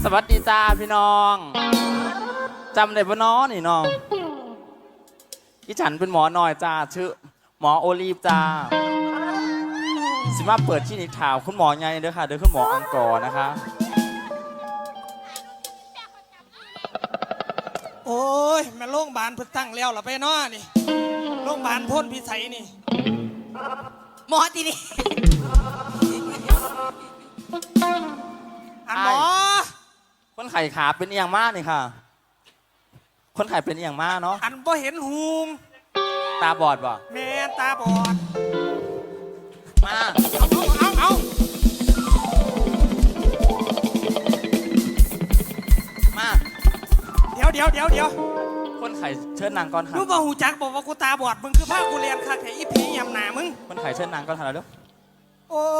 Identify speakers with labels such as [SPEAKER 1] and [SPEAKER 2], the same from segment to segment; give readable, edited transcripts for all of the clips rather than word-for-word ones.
[SPEAKER 1] สวัสดีจ้าพี่น้องจำได้ปะน้องนี่น้องอีฉันเป็นหมอหน่อยจ้าชื่อหมอโอลีฟจ้าสิมาเปิดที่นิทาวคุณหมอไงเด้อค่ะเด้อคุณหมออังกอร์นะคะ
[SPEAKER 2] โอ้ยแม่โรงพยาบาลเพิ่งตั้งแล้วล่ะไปเนาะนี่โรงพยาบาลพ่นพิสัยนี่
[SPEAKER 3] หมอที่นี่
[SPEAKER 2] อันหมอ
[SPEAKER 1] คนไข้ขาเป็นเอียงมากนี่ค่ะคนไข้เป็นเอียงมากเนาะ
[SPEAKER 2] อันบ่เห็นหูง
[SPEAKER 1] ตาบอดบ่
[SPEAKER 2] แม่ตาบอด
[SPEAKER 1] มา
[SPEAKER 2] เอา
[SPEAKER 1] มา
[SPEAKER 2] เดี๋ยว
[SPEAKER 1] คนไข้เชิญนางก่อนค่ะ
[SPEAKER 2] รู้ป่ะหูจักบอกว่ากูตาบอดมึงคือภาคกูเรียนคักแค่อีผียำหนามึง
[SPEAKER 1] คนไข้เชิญนางก่อนค่ะแล้ว
[SPEAKER 2] โอ้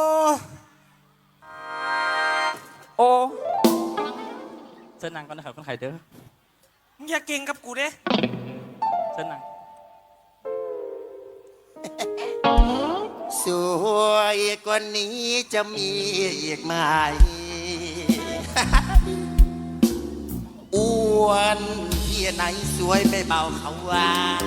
[SPEAKER 1] เชิญนางก่อนนะครับคนไข้เด้อ
[SPEAKER 2] มึงอย่าเก่งกับกูเด้
[SPEAKER 1] เชิญนาง
[SPEAKER 3] สวยกว่านี้จะมีอีกไหมอ้วนที่ไหนสวยไม่เบาเขาว่า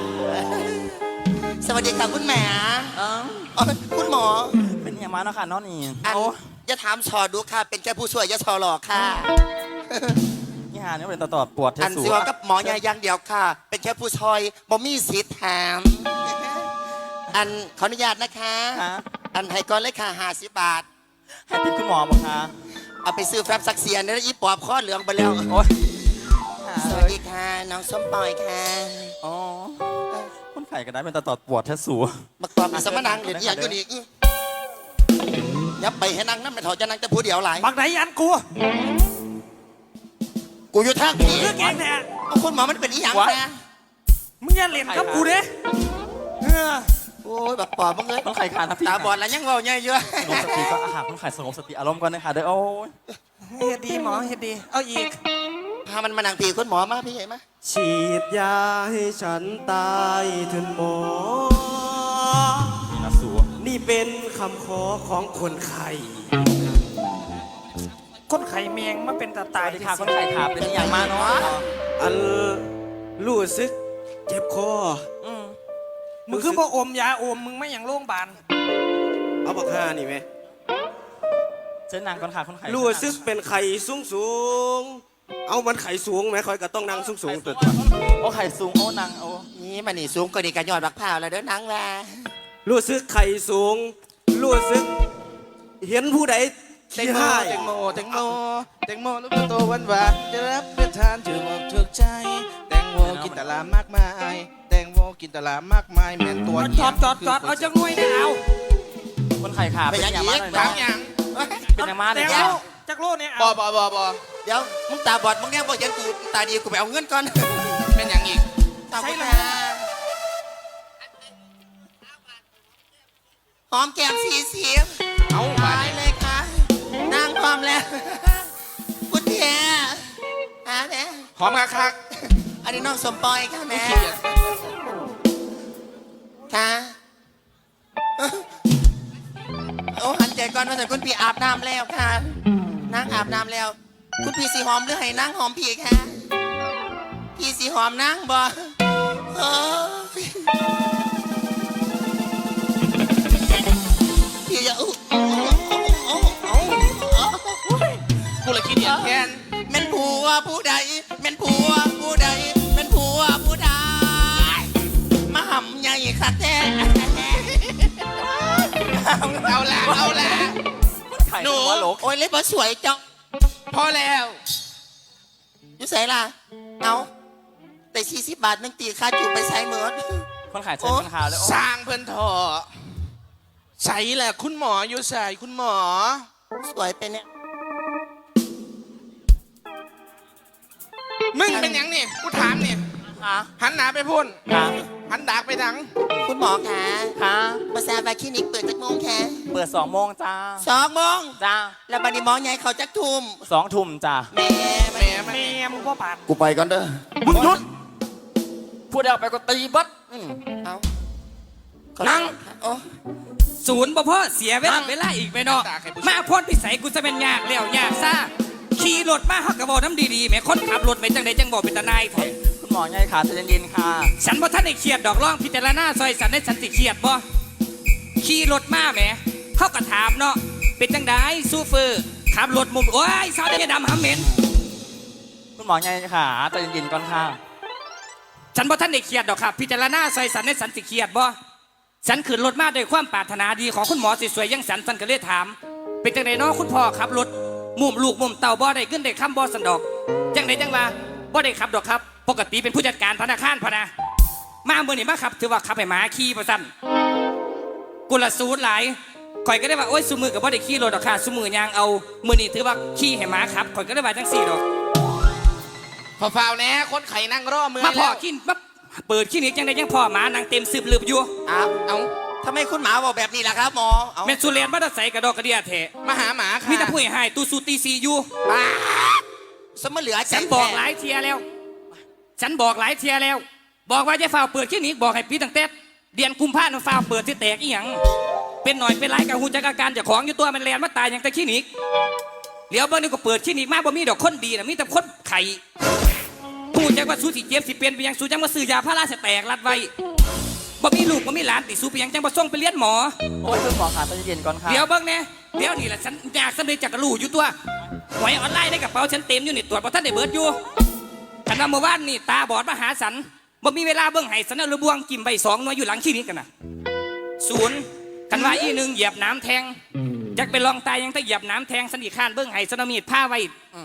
[SPEAKER 3] สวัสดีค่ะคุณแม่คุณหมอ
[SPEAKER 1] เป็นเอียงมากเนาะค่ะน้องนี่
[SPEAKER 3] อย่าถามชอดูค่ะเป็นแค่ผู้ช่วยอย่าชอหลอกค่ะ
[SPEAKER 1] นี่ฮะนี่เป็นตอดปวดเท
[SPEAKER 3] อัน
[SPEAKER 1] สู
[SPEAKER 3] สิว่ากับหมอใหญ่อย่างเดียวค่ะเป็นแค่ผู้ช่วยบ่มีสิทธิ์ถามอันขออนุญาตนะคะอันให้ก่อนเลยค่ะ50 บาท
[SPEAKER 1] ให้ติดคุณหมอบอกค่ะ
[SPEAKER 3] เอาไปซื้อแฟบซักเซียนแล้วอีปอบข้อเหลืองไปแล้ว
[SPEAKER 1] โอ้ย
[SPEAKER 3] สวัสดีค่ะน้องส้มปอยค่ะ
[SPEAKER 1] อ๋อคนไข้ก็ได้เป็นตอดปวดเทสู
[SPEAKER 3] บักปอบมีสมนังเดี๋ยวอย่างอยู่นี่ยับไปให้นั่งนั่นไม่ถอดจะนั่งจะพูดเดียวหลาย
[SPEAKER 2] บักไหนอันกู
[SPEAKER 3] อยู่ทางนี้
[SPEAKER 2] คือเก่งแท้
[SPEAKER 3] คุณหมอมันเป็นอีหยังนะ
[SPEAKER 2] มึงอย่าเล่นกับกูเด้
[SPEAKER 3] โอ้ยบักปอบมึงเลย
[SPEAKER 1] คนไข้ขาทับ
[SPEAKER 3] ตาบอดแล้วยังเว้าใหญ่เยอะ
[SPEAKER 1] สงบสติก็อาหารคนไข้สงบสติอารมณ์ก่อนนะคะเด้อโอ้ย
[SPEAKER 2] เฮ็ดดีหมอเฮ็ดดีเอาอีก
[SPEAKER 3] พามันมานั่งตีคุณหมอมาพี่เห็นไหม
[SPEAKER 4] ฉีดยาให้ฉันตายเถิดหมอ
[SPEAKER 1] นี่นะสัว
[SPEAKER 4] นี่เป็นคำขอของคนไข้
[SPEAKER 2] คนไข้แมงมาเป็นตาตาย
[SPEAKER 1] ที่ขาคนไข้ขาเป็นอย่างมากเนาะ
[SPEAKER 4] อันรู้สึกเจ็บคอ
[SPEAKER 2] มึงคือบ่อมยาอมมึงไม่อย่างโรงพยาบาล
[SPEAKER 4] เอาบักห่านี่ไหม
[SPEAKER 1] เชิญนางก่อนค่ะคนไข้
[SPEAKER 4] รู้สึกเป็นไข้สูงเอามันไข้สูงไหมคอยก็ต้องนั่งสูงตัว
[SPEAKER 1] โอ้ไข่สูงโอ้นางโอ้
[SPEAKER 3] นี่มันนี่สูงกว่านี่กันยอดบักพร้าวแล้วเด้อนังแล
[SPEAKER 4] รู้สึกไข้สูงรู้สึกเห็นผู้ใด
[SPEAKER 5] แตงโมลูกโตหวานจะรับประทานถือว่าถูกใจแตงโมกินตลามากมายแตงโมกินตลามากมายแม่นตัว
[SPEAKER 2] จอดเอาจังหน่วยเนี่ยเอา
[SPEAKER 1] คนไข้ขาเป็นอย่างมากเลย
[SPEAKER 5] นะ
[SPEAKER 1] เป็นอย่างมากเลย
[SPEAKER 2] จักโลเนี่ย
[SPEAKER 5] บ
[SPEAKER 3] เดี๋ยวมึงตาบอดมึงแน่บอกยันกูตาดีกูไปเอาเงินก่อน
[SPEAKER 5] เป็นอย่างอีก
[SPEAKER 3] ใช่เลยหอมแก้มสี
[SPEAKER 5] เอา
[SPEAKER 3] ไปเลยค่ะนางพร้อมแล้วพุทธะแม่
[SPEAKER 5] หอมคัก
[SPEAKER 3] อันนี้น้องสมปอยค่ะแม่ค่ะโอ้หันใจก่อนว่าแต่คุณพี่อาบน้ำแล้วค่ะนางอาบน้ำแล้วคุณพี่สีหอมหรือให้นางหอมพี่ค่ะพี่สีหอมนางบ่พี่จะ
[SPEAKER 5] กูเลยคิดอย่างแค้น
[SPEAKER 3] แม่นผัวผู้ใดแม่นผัวผู้ใดแม่นผัวผู้ใดมาห่ำใหญ่คักแท้
[SPEAKER 5] เอาละ
[SPEAKER 3] หนูโอ้ยเล็บสวยจัง
[SPEAKER 5] พอแล้ว
[SPEAKER 3] อยู่ใส่ล่ะเอาแต่40 บาทนึงตีค่าจูบไปใช้เหมือน
[SPEAKER 1] คนขายเชิญคนขาวเลย
[SPEAKER 5] สร้างเพื่อนทอใส่แหละคุณหมออยู่ใส่คุณหมอ
[SPEAKER 3] สวยไปเนี่ย
[SPEAKER 5] มึงเป็นยังนี่กูถามนี่หันหน้าไปพุ่นหันดากไปดัง
[SPEAKER 3] คุณหมอค่ะมาแซวคลินิกเปิดจักโมงค่ะ
[SPEAKER 1] เปิด2 โมงจ้า
[SPEAKER 3] 2 โมง
[SPEAKER 1] จ้า
[SPEAKER 3] แล้วบัดนี้หมอใหญ่เขาจักทุ่ม
[SPEAKER 1] 2 ทุ่มจ้า
[SPEAKER 3] แม่
[SPEAKER 2] มึงพ่อปาน
[SPEAKER 3] กูไปก่อนเด้อ
[SPEAKER 1] มึงหยุดพูดเอาไปก็ตีบัด
[SPEAKER 3] เอา
[SPEAKER 1] นั่ง
[SPEAKER 6] ศูนย์บ่พ่อเสียเวลาอีกไปเนาะมาพ่นพิสัยกูจะเป็นยากแล้วยากซ่าขี่รถมาฮักกระบอกน้ำดีๆแหม่คนขับรถไม่จังใดจังบอกเป็นตาหนายแท้
[SPEAKER 1] คุณหมอไงขาใจเย็นๆค่ะ
[SPEAKER 6] ฉันบ่ท่านได้เครียดดอกร้องพิจารณาซอยสันได้สันติเครียดบ่ขี่รถมาแหมเขาก็ถามเนาะเป็นจังไดซูเฟอร์ขับรถมุมโอ้ยสาวได้ดำหำเหม็น
[SPEAKER 1] คุณหมอไงขาใจเย็นๆก่อนค่ะ
[SPEAKER 6] ฉันบ่ท่านได้เครียดดอกครับพิจารณาซอยสันได้สันติเครียดบ่ฉันขึ้นรถมาด้วยความปรารถนาดีของคุณหมอสวยๆอยังสันก็เลยถาม เป็นจังไดเนาะคุณพ่อขับรถมุมลูกมุมเต่าบ่ได้ขึ้นได้คำบ่สันดอกจังไดจังว่าบ่ได้ขับดอกครับปกติเป็นผู้จัดการธนาคารพะนะมาเมื่อนี้มาขับถือว่าขับให้หมาขี่ประสันกุลสูตรหลายข่อยก็ได้ว่าโอ้ยซุมือกับบ่ได้ขี่รถดอกค่ะซุมือยางเอามื่อนี้ถือว่าขี่ให้หมาขับข่อยก็ได้ว่าจังสี่ดอก
[SPEAKER 5] พอฟาวแน่คนไข่นั่งรอมือ
[SPEAKER 6] มาพ่อ
[SPEAKER 5] แล้ว
[SPEAKER 6] ขี้มาเปิดขี้นี้จังได้ยังพ่อหมานางเต็มสืบลืบอยู่
[SPEAKER 3] อ้าว
[SPEAKER 5] เอา
[SPEAKER 3] ทำไมคุณหมาบอกแบบนี้ล่ะครับหมอเอา
[SPEAKER 6] แม่นสุเรียนมาตะใส่กระดอกกระเดียแท้
[SPEAKER 5] มาหาหมาค่ะ
[SPEAKER 6] มีแต่ผู้ให้ตูสูตีซีอยู่
[SPEAKER 3] ป้าสมเหลือใจ
[SPEAKER 6] ฉันบอกหลายเทียแล้ว ฉันบอกหลายเทียแล้ว บอกว่าจะฝ่าเปิดขี้นี้บอกให้ปีตั้งแต่เดือนกุมภาพันธ์ฝ่าเปิดที่แตกอีหยังเป็นหน่อยเป็นไรกับหูจักอาการเจากของอยู่ตัวมันแลนมาตายอย่างแต่ขี้นี้เดี๋ยวเบิ่งนี่ก็เปิดขี้นี้มาบ่มีดอกคนดีนะมีแต่คนไข่หูจักว่าสู้สิเจ็บสิเป็นไปยังสู้จังว่าซื้อยาพาราสแตกรัดไว้บ่มีลูกบ่มีหลานติสู้ไปยังจังบ่ส่งไปเรียนหมอ
[SPEAKER 1] โอ้ยคุณหมอขาใจเย็นๆก่อนค่ะ
[SPEAKER 6] เดี๋ยวเบิ่งแน่เดี๋ยวนี่แหละฉันอยากสำเร็จจากกระลูอยู่ตัวหวยออนไลน์ในกระเป๋าฉันเต็มอยู่นี่ตรวจบ่ทันได้เบิดอยู่ฉันว่าเมื่อวานนี่ตาบอดมาหาสันบ่มีเวลาเบิ่งให้สันเอาระบวงกิมใบ2หน่วยอยู่หลังขี้นี้กันน่ะศูนย์กันว่าอีหนึ่งเหยียบน้ำแทงอยากไปลองตายยังแต่เหยียบน้ำแทงสันอีกข้านเบิ่งให้สันเอามีดผ้าไว้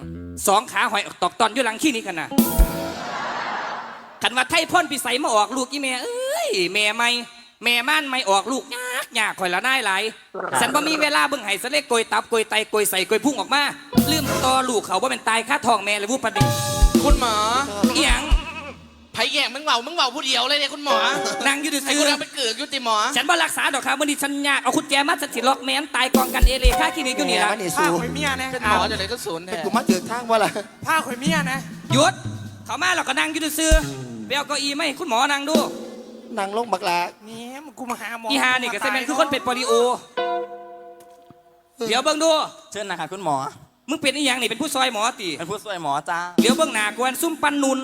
[SPEAKER 6] 2 ขาหอยตอกตอนอยู่หลังขี้นี้กันน่ะคันว่าไทยพ่นพิสัยมาออกลูกอีแม่เอ้ยแม่ไม่แม่ม่านไม่ออกลูกยากข่อยละนายหลายฉันบ่มีเวลาเบิ่งให้สะเล็กโกยตับโกยไตโกยใส่โกยพุ่งออกมาลืมต่อลูกเขาว่าเป็นตายค่าทองแม่เลยวูบประเดี๋ยว
[SPEAKER 5] คุณหมอ
[SPEAKER 6] อีหยัง
[SPEAKER 5] ไผ่แย่งมึงเบาผู้เดียวเลยเนี่ยคุณหมอ
[SPEAKER 6] นั่งอยู่
[SPEAKER 5] ไอ้
[SPEAKER 6] ซื่
[SPEAKER 5] กู
[SPEAKER 6] อ
[SPEAKER 5] นั่งไปเกือกอยู่ติหมอ
[SPEAKER 6] ฉันบ่รักษาดอกครับวันนี้ฉันยากเอาคุณแจมาสิล็อกแม่นตายกองกันเอเลค่าคลินิกอยู่นี่ละ
[SPEAKER 3] แม่มันนี่
[SPEAKER 2] ผ้า
[SPEAKER 3] สู
[SPEAKER 2] ข่อยเมียนะ
[SPEAKER 5] เป็นหมอจะไหนก็ศูนย์แท้
[SPEAKER 3] กูมาถึงทางว่าล่ะ
[SPEAKER 2] ผ้าข่อยเมียนะ
[SPEAKER 6] หยุดเขามาเราก็นั่งอยู่ซื่อไปเอาเก้าอี้มาให้คุณหมอนั่งดู
[SPEAKER 3] นางลงบักลา
[SPEAKER 2] นี่มันกูมาหาหมอ
[SPEAKER 6] อีหานี่ก็ใช่แม่นคือคนเป็นโปลิโอเดี๋ยวเบิ่งดู
[SPEAKER 1] เชิญนะคะคุณหมอ
[SPEAKER 6] มึงเป็นอีหยังนี่เป็นผู้ซอยหมอติ
[SPEAKER 1] เป็นผู้ช่วยหมอจ้า
[SPEAKER 6] เดี๋ยวเบื้องหน้ากวนซุ่มปันนุน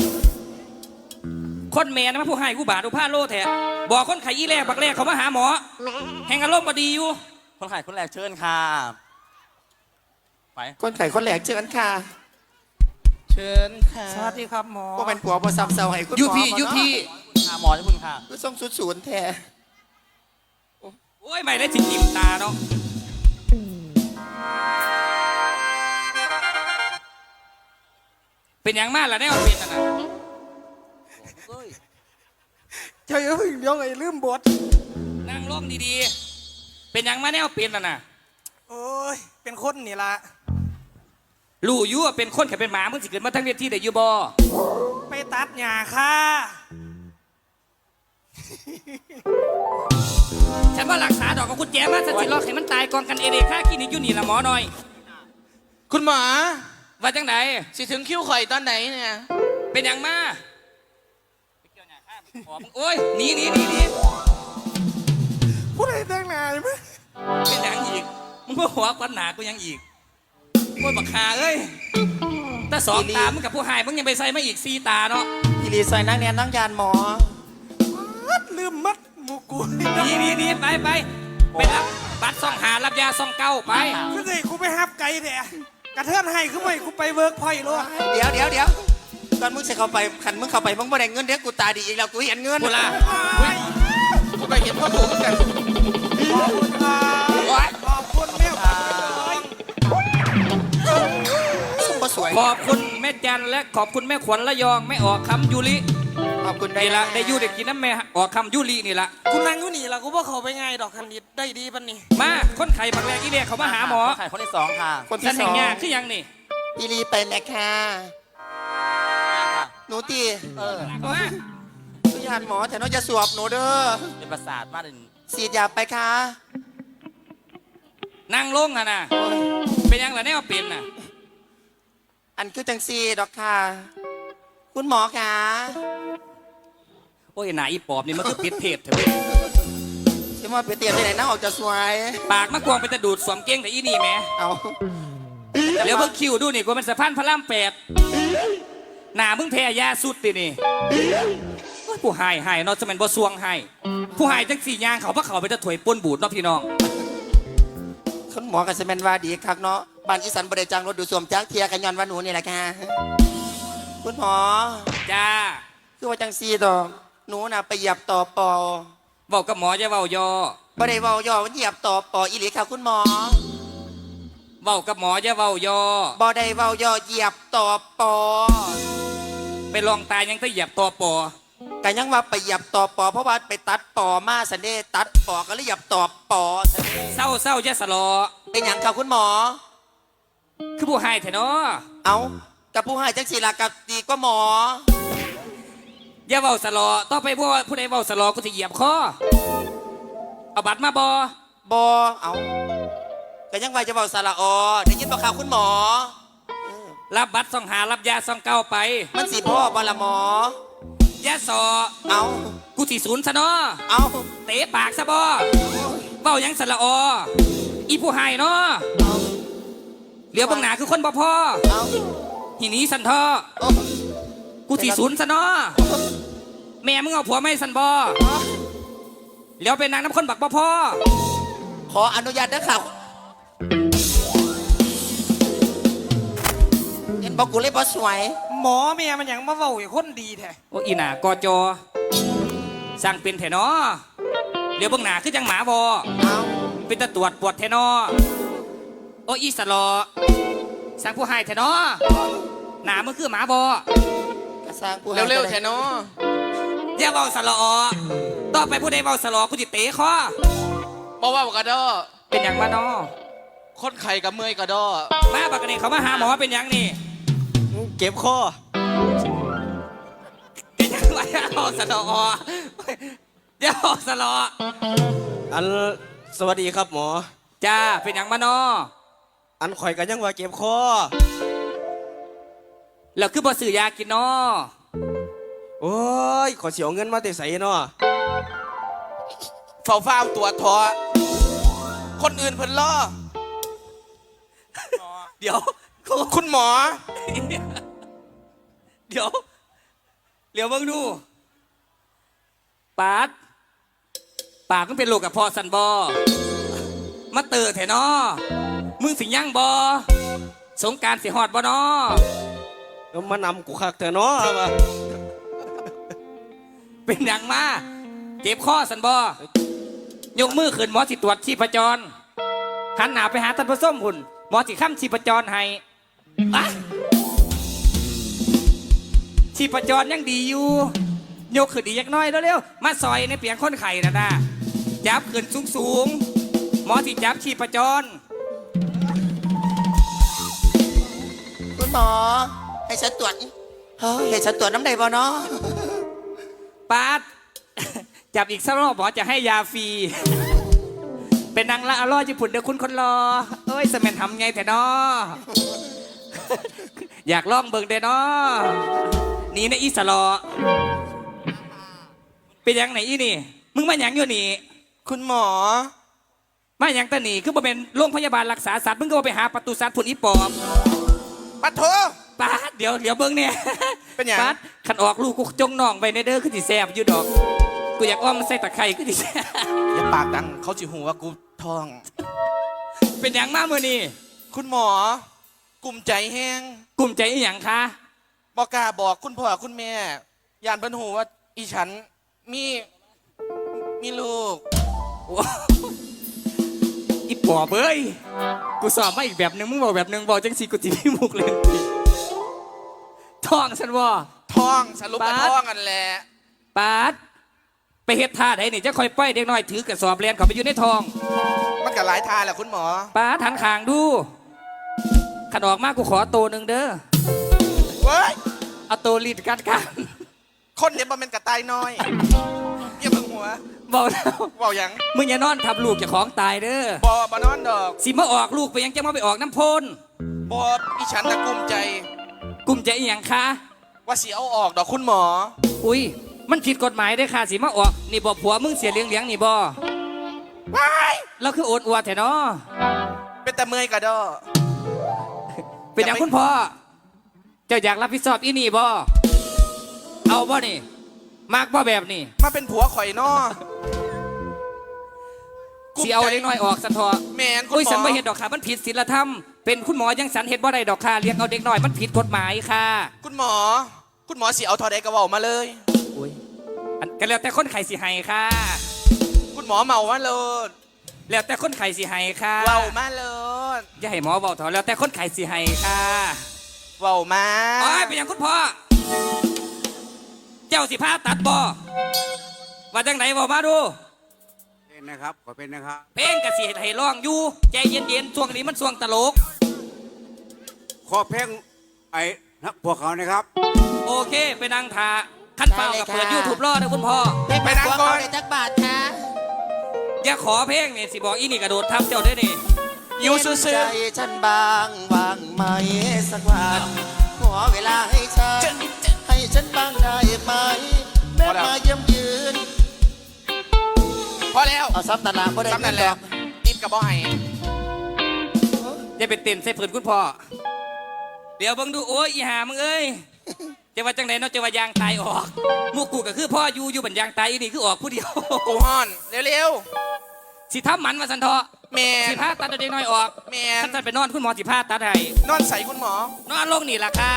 [SPEAKER 6] คนแม่นะมาผู้ให้ผู้บาดผู้ผ้าโลแท้บอกคนไข้ยี่แรกบักแรกเขามาหาหมอแห่งอารมณ์บดีอยู่
[SPEAKER 1] คนไข้คนแรกเชิญค่ะไป
[SPEAKER 3] คนไข่คนแหลกเจอกันค่ะ
[SPEAKER 5] เชิญค่ะ
[SPEAKER 2] สวัสดีครับหมอ
[SPEAKER 3] ว่าเป็นผัวบ่ซ้ำเซาให้คุณหมอ
[SPEAKER 6] ยูพี่
[SPEAKER 3] บ่เนาะ
[SPEAKER 6] ยูพี่
[SPEAKER 1] ค่ะหมอที่คุณค่ะ
[SPEAKER 3] ก็ส่งศูนย์แท้
[SPEAKER 6] โอ้ยไม่ได้จิกิมตาเนาะเป็นอย่างมากล่ะแน่ว่าเป็นน่ะนะ
[SPEAKER 2] เจ้าอย่าเพึ่งเดี๋ยวไอ้ลืมบท
[SPEAKER 6] นั่งลงดีๆเป็นอย่างมาแน่ว่าเป็นน่ะนะ
[SPEAKER 2] โอ้ยเป็นคนนี่ละ
[SPEAKER 6] รู้อยู่ว่าเป็นคนแค่เป็นหมามึงสิเกิดมาทั้งเวทีได้อยู่บ่
[SPEAKER 2] ไปตัดหญ้าค่ะ
[SPEAKER 6] ฉันว่ารักษาดอกกับคุณแจมาสติล็อกให้มันตายกองกันเอเดค่าคลินิกอยู่นี่ละหมอหน่อย
[SPEAKER 5] คุณหมอ
[SPEAKER 6] ว่าจังไหน
[SPEAKER 5] สิถึงคิวข่อยตอนไหนเนี่ย
[SPEAKER 6] เป็นอย่างมาโอ้ยหนี
[SPEAKER 2] ผู้ใดแต่งหน้าไหม
[SPEAKER 6] เป็นอย่างอีกมึงเพื่อหัวควันหนากูยังอีกโอ้ยบักหาเอ้ยถ้า2 ตามึงกับผู้หายมึงยังไปใส่มาอีก4 ตาเนาะ
[SPEAKER 3] อีรีซอยนั่งแนนนั่งยานหมอ
[SPEAKER 2] มัดลืมมัดหมูกู
[SPEAKER 6] หนีไปรับบัตร2 หารับยา2 เก้าไป
[SPEAKER 2] คือสิกูไปฮับไก่แด่กระเทือนให้คือไม่กูไปเวิร์กพอยต์โลด
[SPEAKER 3] เดี๋ยวตอนมึงจะเข้าไปขันมึงเข้าไปมึงบ่ได้เงินเดี๋ยวกูตาดีอีกแล้วกูเห็นเงิน
[SPEAKER 6] กูล่ะ
[SPEAKER 5] กูไปเห็นพ่อปู่เหมือนกัน
[SPEAKER 2] ขอบคุณครับขอบคุณแม่ขวัญ
[SPEAKER 3] ซุ่มบ่สวย
[SPEAKER 6] ขอบคุณแม่จันและขอบคุณแม่ขวัญระยองแม่ออกคำยูริ
[SPEAKER 3] ขอบคุณได้
[SPEAKER 6] นี่ละได้ยูได้กินน้ำแม่ออกคำยูรินี่ละ
[SPEAKER 2] กูนั่งอยู่นี่ละกูว่าเขาไปไงดอกคันดิดได้ดีปันนี่
[SPEAKER 6] มาคนไข้บักแรกอีเดียเขามาหาหมอ
[SPEAKER 1] คนไข้คนที่สองค่ะ
[SPEAKER 3] คน
[SPEAKER 6] ฉั
[SPEAKER 3] ที่
[SPEAKER 6] น
[SPEAKER 3] ส
[SPEAKER 6] แห่
[SPEAKER 3] อง ง
[SPEAKER 6] ยากคือยังนี่
[SPEAKER 3] อีรีไปแม่ค่ะหนูตี
[SPEAKER 6] เอามา
[SPEAKER 3] ตุยานหมอแต่น้องจะสวบหนูเด้อ
[SPEAKER 1] เป็นประสาทมากเลย
[SPEAKER 3] ฉีดยาไปค่ะ
[SPEAKER 6] นั่งลงอะนะ
[SPEAKER 3] โอ้ย
[SPEAKER 6] เป็นยังล่ะแน่ว่าเป็นน่ะ
[SPEAKER 3] อันคือจังซีดอกค่ะ คุณหมอค่ะ
[SPEAKER 6] โอ้ยหนาอีปอบนี่มันคือปิดเพจเถอะเว้ย
[SPEAKER 3] จะมาไปเตรียมไปไหนนั่งออกจะสวย
[SPEAKER 6] ปากมะกวางเป็นตะดูดสวมเก้งแต่อีนี่แหม่
[SPEAKER 3] เอา
[SPEAKER 6] เดี๋ยวเบิ่งคิวดูนี่กูมันสะพานพระราม8หน้ามึงแพ้ยาสุดตินี่โอ้ยผู้หายเนาะจะแม่นบ่ซวงให้ผู้หายจังสี่ย่างเขาพระเขาไปจะถวยป่นบูดเนาะพี่น้อง
[SPEAKER 3] คุณหมอกับสแมนว่าดีครับเนาะบ้านอีสันบริจางรถดูดซ่วมจ้างเทียกันย้อนว่าหนูนี่แหละค่ะคุณหมอ
[SPEAKER 6] จ้า
[SPEAKER 3] คือว่าจังซีดอกหนูน่ะไปเหยียบต่อปอ
[SPEAKER 6] เว้ากับหมอจะเว้ายอ
[SPEAKER 3] บ่ได้เว้าย่อมันเหยียบต่อปออีหลีค่ะคุณหมอ
[SPEAKER 6] เว้ากับหมอจะเว้ายอ
[SPEAKER 3] บ่ได้เว้าย่อเหยียบต่อปอ
[SPEAKER 6] ไปลองตายยังต้องเหยียบตัวปอ
[SPEAKER 3] กันยังว่าไปเหยียบต่อปอเพราะว่าไปตัดปอมาสันเดตัดปอก็เลยเหยียบต่อปอสันเด
[SPEAKER 6] เศร้าจะสลอ
[SPEAKER 3] เป็นหยังค่ะคุณหมอ
[SPEAKER 6] คือผู้หายแท้เนาะ
[SPEAKER 3] เอากับผู้ให้จังสีละกับดีก็หมอ
[SPEAKER 6] อย่าเว้าสลอต่อไปผู้ใดเว้าสลอกูจะเหยียบคอเอาบัตรมาบอบ
[SPEAKER 3] อเอากันยังว่าจะบอกสาระอได้ยินบอกข่าวคุณหมอ
[SPEAKER 6] รับบัตรส่องหารับยาส่องเก้าไป
[SPEAKER 3] มันสีพ่อบอละหมอย
[SPEAKER 6] าสอ
[SPEAKER 3] เอา
[SPEAKER 6] กูสิศูนย์ซะเนาะ
[SPEAKER 3] เอา
[SPEAKER 6] เตะปากซะบ่เว้าหยังสละออีผู้หายเนาะเหลียวเบังหนาคือคนบ่พอ
[SPEAKER 3] เอา
[SPEAKER 6] หินี้สันทอ
[SPEAKER 3] โอ้
[SPEAKER 6] กูสิศูนย์ซะเนาะแม่มึงเอาผัวไม่สันบ่เหลียวเป็นนางน้ำคนบักบ่พอ
[SPEAKER 3] ขออนุญาตนะข่าวเห็นบอกกูเลยบอสวย
[SPEAKER 2] หมอเมียมันหยังมาเว้าให้คนดีแท้
[SPEAKER 6] โอ้อีหนากอจอสั่งเป็นแถนอเหลียวเบังหนาคือจังหมาบ่
[SPEAKER 3] เอา
[SPEAKER 6] เป็นตะตรวจปวดแทนอโอ้อีสลอสั่งผู้ให้แทนอหนามึงคือหมาบอก
[SPEAKER 3] ระสร้างผู้ให้
[SPEAKER 5] เร็วๆแทนเนาะ
[SPEAKER 6] อย่าเบาสลอต่อไปผู้ใดเบาสลอกูจะเตะคอ
[SPEAKER 5] บอกว่ากระดอ
[SPEAKER 6] เป็นอย่างมาเนอ
[SPEAKER 5] คนไข่กับเมื่อยกระดอ
[SPEAKER 6] มาบักนี่เขามาหาหมอเป็นอย่างนี่
[SPEAKER 4] เก็บคอ
[SPEAKER 6] เป็นอย่างไรเอาสลออย่าเบาสลอ
[SPEAKER 4] อันสวัสดีครับหมอ
[SPEAKER 6] จ้าเป็นอย่างมาเนอ
[SPEAKER 4] อันข่อยกันยังว่าเก็บคอ
[SPEAKER 6] แล้วคือบ่ซื้อยากินเนอ
[SPEAKER 4] โอ้ยขอเสียเงินมาแต่ใส่เนาะ
[SPEAKER 5] เฝ้าตัวทอคนอื่นเพิ่นล่อ
[SPEAKER 6] เดี๋ยว
[SPEAKER 5] คุณหมอ
[SPEAKER 6] เดี๋ยวเบิ่งดูปากมันเป็นโรคกับพอสันบอมาเตอแถนอมึงสิย่างบอสงกรารสิฮอดบอนอ
[SPEAKER 4] แล้วมานำกูคักเถอะเนาะว่า
[SPEAKER 6] เป็นอย่างมาเจ็บข้อสันบอยกมือขึ้นหมอสิตรวจชีพจรหันหน้าไปหาท่านผู้ส้มหุ่นหมอสิค้ำชีพจรให้อะชีพจรยังดีอยู่ยกขึ้นอีกยักน้อยเร็วๆมาซอยในเปียงคนไข่นะจับขึ้นสูงหมอสิจับชีพจร
[SPEAKER 3] คุณหมอ ให้ฉันตรวจเฮ้ยให้ฉันตรวจน้ำใดบ่เนาะ
[SPEAKER 6] ปาด จับอีกสักรอบหมอจะให้ยาฟรี เป็นนางละอร่อยญี่ปุ่นเดี๋ยวคุณคนรอเอ้ยสแมนทำไงแต่นอ อยากลองเบิ่งเด้อนอนี่นะอีสลอเป็นยังไหนอีนี่ มึงมาหยังอยู่นี่
[SPEAKER 5] คุณหมอ
[SPEAKER 6] มาหยังตะหนีคือบ่เป็นโรงพยาบาลรักษาสัตว์มึงก็บ่ไปหาประตูสัตว์ผุนอีปอบ
[SPEAKER 5] ปัดโถ
[SPEAKER 6] ปาดเดี๋ยวเบิ่งเนี่ย
[SPEAKER 5] เป็นหยัง
[SPEAKER 6] ปาดขันออกลูกกูจงน่องไปในเด้อคือสิแซ่บอยู่ดอกกูอยากอ้อมใส่ตะไคร้คือสิแซ่บ
[SPEAKER 5] อย่าปากดังเขาจิหูว่ากูท้อง
[SPEAKER 6] เป็นหยังมาเมื่อนี่
[SPEAKER 5] คุณหมอ กลุ่มใจแห้ง
[SPEAKER 6] กลุ่มใจอีหยังคะ
[SPEAKER 5] บอกกล้าบอกคุณพ่อคุณแม่ยานเพิ่นหูว่าอีฉันมีลูก
[SPEAKER 6] โอ้อีปอบเอ้ยกูสอบมาอีกแบบหนึงมึงบอกแบบหนึงบอกจังสิกูจิพี่มุกเลยท้องฉันว่า
[SPEAKER 5] ท้องสรุปว่า
[SPEAKER 6] ปาด
[SPEAKER 5] ท้องกันแหละ
[SPEAKER 6] ปาดไปเฮ็ดท่าไหนนี่จะคอยป้อยเด็กน้อยถือกระสอบเรียนเขาไปอยู่ในท้อง
[SPEAKER 5] มันก็หลายทาแหละคุณหมอ
[SPEAKER 6] ปาดหันขางดูขันออกมากูขอโตหนึ่งเด้อ
[SPEAKER 5] เว้ย
[SPEAKER 6] เอาโตรีดกัดกัน
[SPEAKER 5] คนเดี๋ยวมันเป็นกระต่ายน้อยอย่าเพิ่งหัว
[SPEAKER 6] บอกแล้ว
[SPEAKER 5] เว่าหยัง
[SPEAKER 6] มึงอย่านอนทับลูกเจ้าของตายเด้อ
[SPEAKER 5] บ่นอนดอก
[SPEAKER 6] สิมาออกลูกไปยังจะมาไปออกน้ำพน
[SPEAKER 5] บ่อีฉันน่ะกลุ้มใจ
[SPEAKER 6] กลุ่มใจอีหยังคะ
[SPEAKER 5] ว่าสิเอาออกดอกคุณหมอ
[SPEAKER 6] อุ้ยมันผิดกฎหมายได้อค่ะสิมาออกนี่บอกผัวมึงเสียเลี้ยงนี่บ่
[SPEAKER 5] ว้าย
[SPEAKER 6] เราคือโอดอวดแท้เนาะ
[SPEAKER 5] เป็นแต่เมื่อยกระดอ
[SPEAKER 6] เป็นอย่างคุณพ่อเจ้าอยากรับผิดชอบอีนี่บ่เอาบ่นี่มากบ่แบบนี้
[SPEAKER 5] มาเป็นผัวข่อยนอ
[SPEAKER 6] สิเอาเล็กน้อยออกสันทอ
[SPEAKER 5] แมนคุณ
[SPEAKER 6] โอ้ย
[SPEAKER 5] หม
[SPEAKER 6] สันบ่
[SPEAKER 5] อ
[SPEAKER 6] เห็นดอกค่ะมันผิดศีลธรรมเป็นคุณหมอยังสันเห็นบ่ได้ดอกค่ะเลี้ยงเอาเด็กน้อยมันผิดกฎหมายค่ะ
[SPEAKER 5] คุณหมอสิเอาทอใดกระเว่ามาเลย
[SPEAKER 6] โอ้ยอันก็แล้วแต่คนไข้สิให้ค่ะ
[SPEAKER 5] คุณหมอเมามาเลย
[SPEAKER 6] แล้วแต่คนไข้สิให้ค่ะ
[SPEAKER 5] เว้ามาเลย
[SPEAKER 6] อย่าให้หมอเว้าเถอะแล้วแต่คนไข้สิให้ค่ะ
[SPEAKER 5] เว้ามา
[SPEAKER 6] โอ้ยเป็นอย่างคุณพ่อเจ้าสิพาตัดบ่ว่าจังไหนเว้ามาดู
[SPEAKER 7] เป็นนะครับขอเป็นนะครับ
[SPEAKER 6] เพลงกะสิให้ร้องอยู่ใจเย็นๆช่วงนี้มันช่วงตลก
[SPEAKER 7] ขอเพลงไอ้นักพวกเขานะครับ
[SPEAKER 6] โอเคไปนั่งทาขั้นเปล่ากับเปิดยูทูบรอนะคุณพ่อ
[SPEAKER 3] ไปนั่งก่อนในจักบาทค่ะ
[SPEAKER 6] อย่าขอเพลงนี่สิบอกอีนี่กระโดดทับเจ้าได้นี่
[SPEAKER 5] อยู่ซื่อ
[SPEAKER 3] ใจฉันบางวางไหมสักวันขอเวลาให้ฉันให้ฉันบ้างได้ไหมแม่มาเยี่ยมยืน
[SPEAKER 5] ๆพอแล้ว
[SPEAKER 3] เอาซับตลาดก็ได้
[SPEAKER 5] ซ้ำนั่นแหละติดกับบ่ให้
[SPEAKER 6] อย่าไปเต้นใส่ผืนคุณพ่อเดี๋ยวเบิ่งดูโอ้ยอีหามึงเอ้ยจะว่าจังไหนเนาะจะว่ายางตายออกหมูกูก็คือพ่ออยู่บันยางตายอีนี่คือออกผู้เดียว
[SPEAKER 5] กูฮอนเร็ว
[SPEAKER 6] สิทำหมันมาสันทอ
[SPEAKER 5] ๆแมน
[SPEAKER 6] สิพาตัดเอาเด็กน้อยออก
[SPEAKER 5] แมน
[SPEAKER 6] ท่านไปนอนคุณหมอสิพาตัดให้
[SPEAKER 5] นอนใส่คุณหมอน
[SPEAKER 6] อนลงนี่ล่ะค่ะ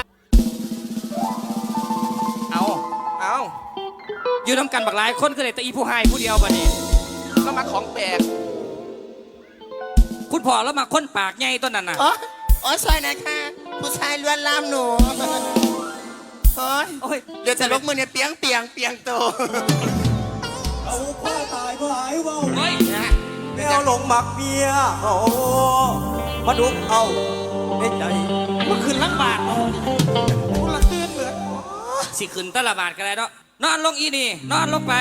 [SPEAKER 6] เอา
[SPEAKER 5] เอา
[SPEAKER 6] อยู่น้ำกันบักหลายคนก็เลยแต่อีผู้ให้ผู้เดียวบัดนี้
[SPEAKER 5] แล้วมาของแปลก
[SPEAKER 6] คุณพ่อแล้วมาค้นปากใหญ่ต้นนั้นน่ะ
[SPEAKER 3] อ๋อซอยนะคะผู้ชายล้วนลามหนูโอ้ย
[SPEAKER 6] โอ้ย
[SPEAKER 3] เดี๋ยวจะลกมือเนี่ยเปียงโต
[SPEAKER 4] เอาพ่อตายพ่อหายเว้า
[SPEAKER 6] โอ้ย
[SPEAKER 4] แมวหลงหมักเมียเขามาดุกเอาในใจ
[SPEAKER 2] มันขึ้นลังบาทกูละตื่นเหมือน
[SPEAKER 6] สิขึ้นตะละบาทกันเลยเนาะนอนลงอีนี่นอนลงไป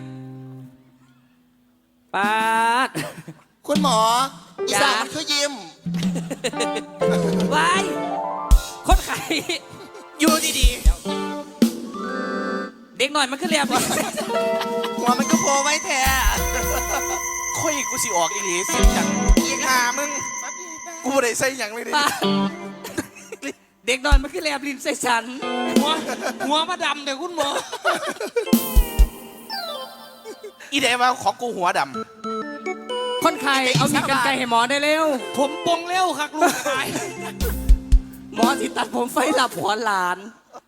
[SPEAKER 6] ปาด
[SPEAKER 3] คุณหมออี
[SPEAKER 6] จ้า
[SPEAKER 3] สานมันคือยิ้ม
[SPEAKER 6] ไว้คนไข้
[SPEAKER 5] อยู่ดี
[SPEAKER 6] เด็กหน่อยมันขึ้นเรียบ
[SPEAKER 3] หัวมันก็โผล่ไว้แท้
[SPEAKER 5] ๆค่อยกูสิออกอีหลีสิจังอีกหามึง กูบ่ได้ใส่หยังเลยดิ
[SPEAKER 6] ปาดเด็กหน่อยมันขึ้นเรียบลิ้นใส่ฉัน
[SPEAKER 2] หัวมาดำเดี๋ยวคุณหมอ
[SPEAKER 5] อีเดว่าของกูหัวด
[SPEAKER 6] คนไข้เอามีดกันไกรให้หมอได้เร็ว
[SPEAKER 2] ผมปงเร็วครับลูกชาย
[SPEAKER 6] หมอสิตัดผมไฟหลับหัวหลาน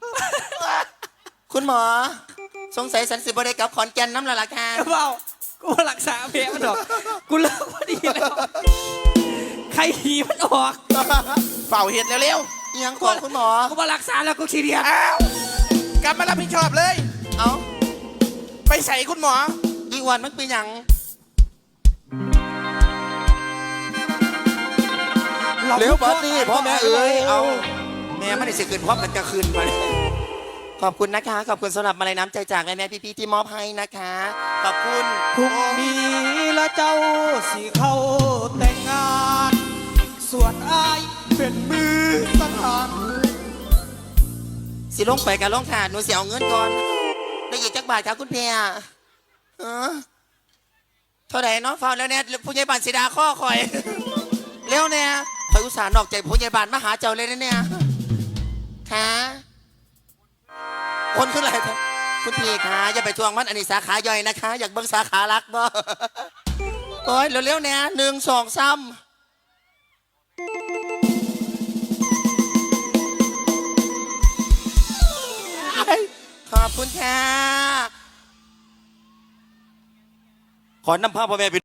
[SPEAKER 3] คุณหมอ สงสัยสันสิบได้กับขอนแก่นน้ำละล่ะค่ะ
[SPEAKER 6] เปล่ากูรักษาแผลมันดอก กูเลิกพอดีแล้วใครหีมันออก
[SPEAKER 5] ำเฝ้าเห็ดเร็ว
[SPEAKER 3] อิหยังของคุณหมอ
[SPEAKER 6] กูมารักษาแล้วกูขี้เดียด
[SPEAKER 5] ๆอ้าวกลับมารับผิดชอบเลย
[SPEAKER 3] เอา
[SPEAKER 5] ไปใส่คุณหมอ
[SPEAKER 3] อีกวันมันเป็นหยังเร็วบัดนี้พ่อแม่เอ๋ยเอาแม่ไม่ได้สิคืนพร้อมกันจะคืนมาขอบคุณนะคะ ขอบคุณสำหรับมาลัยน้ำใจจากแม่ๆพี่ๆที่มอบให้นะคะ ขอบคุณ
[SPEAKER 2] พรุ่งนี้ละเจ้าสิเข้าแต่งงาน ส่วนอายเป็นมือสังหาร
[SPEAKER 3] สิลงไปกับลงขาดหนูเสียเอาเงินก่อนได้อีกจักบาทครับคุณเพียเท่าไหร่เนาะฟ้าแล้วเนี่ยผู้ใหญ่บ้านสีดาข้อคอย เร็วเนี่ยคอยอุตส่าห์นอกใจผู้ใหญ่บ้านมาหาเจ้าเลยนะเนี่ยค่ะคนขึ้นอะไรคุณพี่คะอย่าไปทวงมันอันนี้สาขาย่อยนะคะ อยากเบิ่งสาขารักบ่โอ้ยเร็วๆเนี่ย1 2 3ขอบคุณค่ะ ขอนำภาพพ่อแม่ไป